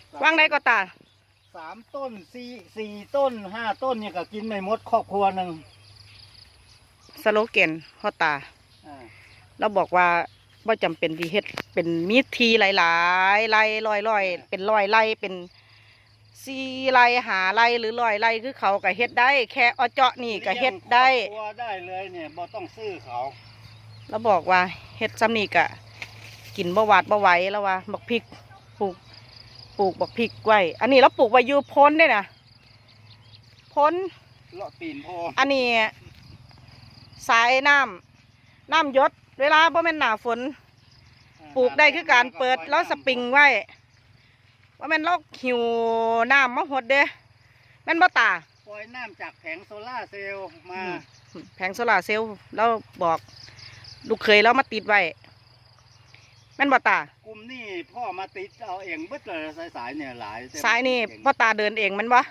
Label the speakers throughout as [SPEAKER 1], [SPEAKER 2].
[SPEAKER 1] ว่างได้ก็ตา
[SPEAKER 2] 3 ต้นสี่ต้น5 ต้นเนี่ยก็กินไม่หมดครอบครัวหนึ่ง
[SPEAKER 1] สโลแกนพ่อตาเราบอกว่าว่าจำเป็นที่เฮ็ดเป็นมีทีหลายๆไร่ร้อยเป็นร้อยไร่เป็น4 ไร่5 ไร่หรือ100 ไร่คือเขาก็เฮ็ดได้แค่อเจาะนี่ก็เฮ็ดได้
[SPEAKER 2] ครอบครัวได้เลยเนี่ยบ่ต้องซื้อเขา
[SPEAKER 1] เราบอกว่าเฮ็ดซ้ำนี่ก็กินบ่หวาดบ่ไหวแล้วว่าบักพริกปลูกบักพริกไว้อันนี้เราปลูกไว้อยู่พ้นได้นะพ้น
[SPEAKER 2] เลาะตีนพอ
[SPEAKER 1] อันนี้สายน้ำหยศเวลาบ่แม่นหน้าฝนปลูกได้คือการเปิดแล้วสปริงไว้ว่าแม่นเราหิวน้ำมาหดเด้แม่นบ่ตา
[SPEAKER 2] ปล่อยน้ำจากแผงโซล่าเซลล์มา
[SPEAKER 1] แผงโซล่าเซลล์เราบอกลูกเคยเรามาติดไว้แม่นบ่ตาก
[SPEAKER 2] ลุ่มนี่พ่อมาติดเอาเองบึ้ดเลยสายเนี่ยหลาย
[SPEAKER 1] สายนี่พ่อตาเดินเองมันบ่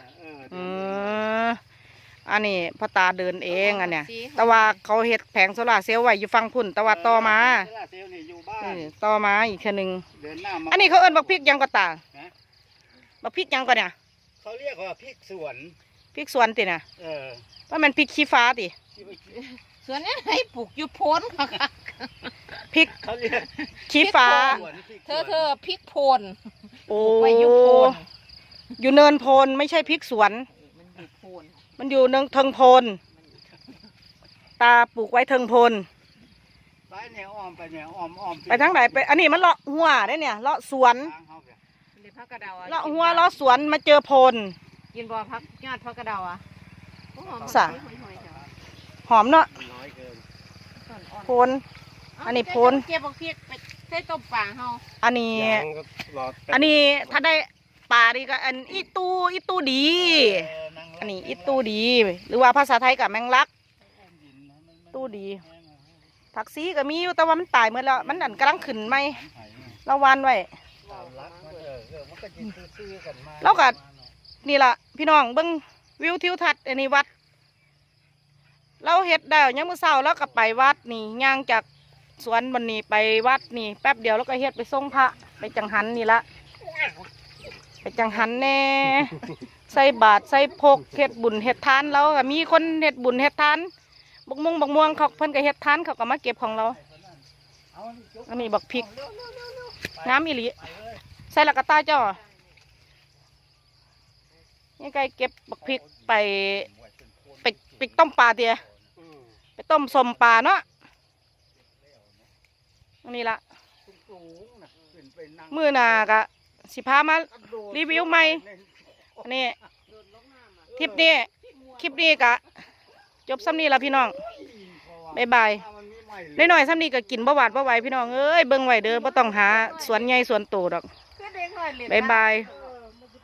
[SPEAKER 1] อันนี้พ่อตาเดินเองอันเนี้ยแต่ว่าเขาเฮ็ดแผงโซล่าเซลล์ไว้อยู่ฝั่งพุ่นแต่ว่าต่อมาต่อมาอีกแค่นึงอันนี้เขาเอิ้นบักพริกยังก็ตาบักพริกยังก็เนี่ย
[SPEAKER 2] เขาเรียกว่าพริกสวน
[SPEAKER 1] พริกสวนติน่ะว่ามันพริกขี้ฟ้าติ
[SPEAKER 3] สวนนี้ให้ปลูกอยู่โพ้นค่ะ
[SPEAKER 1] พริกขี้ฟ้า
[SPEAKER 3] เธอพริกโพน
[SPEAKER 1] โอ้อยู่เนินโพนไม่ใช่พริกสวนมันอยู่เทิงโพนตาปลูกไว้เทิงโพน
[SPEAKER 2] ไปเนี่ยอ้อมไปเนี่ยอ้อม
[SPEAKER 1] ไปทางไหนไปอันนี้มันเลาะหัวได้เนี่ยเลาะสวนเลาะหัวเลาะสวนมาเจอโพน
[SPEAKER 3] กินบ่พักยอดพักกระเดาอ่ะ
[SPEAKER 1] สะหอมเนาะโพนอันนี้โพน
[SPEAKER 3] เก็บบักพริกไปใส่ต้มปลาเฮา
[SPEAKER 1] อันนี้ถ้าได้ปลาดีก็อันอีตูดีอันนี้อีตูดีหรือว่าภาษาไทยกับแมงลักตูดีผักซีก็มีอยู่แต่ว่ามันตายเมื่อแล้วมันอันกำลังขึ้นไหมเราวานไว้แล้วก็นี่ล่ะพี่น้องเบิ้งวิวทิวทัศน์อันนี้วัดเราเฮ็ดได้ยังมื้อเช้าแล้วก็ไปวัดนี่ย่างจากสวนบันนี้ไปวัดนี่แป๊บเดียวแล้วก็เฮ็ดไปส่งพระไปจังหันนี่ละไปจังหันแน่ใส่บาตรใส่พกเฮ็ดบุญเฮ็ดทานแล้วก็มีคนเฮ็ดบุญเฮ็ดทานบักม่วงเขาเพิ่นก็เฮ็ดทานเขาก็มาเก็บของเราอันนี้บักพริกงามอีหลีใส่ละกะตาเจ้านี่ไก่เก็บบักพริกไปต้มปลาเตี๋ยไปต้มสมปลาเนาะอันนี้ละมื้อหน้ากะสิพามารีวิวใหม่อันนี้คลิปนี้กะจบซ้ำนี้ละพี่น้องบ๊ายบายได้หน่อยซ้ำนี้ก็กินบ่หวาดบ่ไหวพี่น้องเอ้ยเบิ่งไว้เด้อบ่ต้องหาสวนใหญ่สวนโตดอกบ๊ายบาย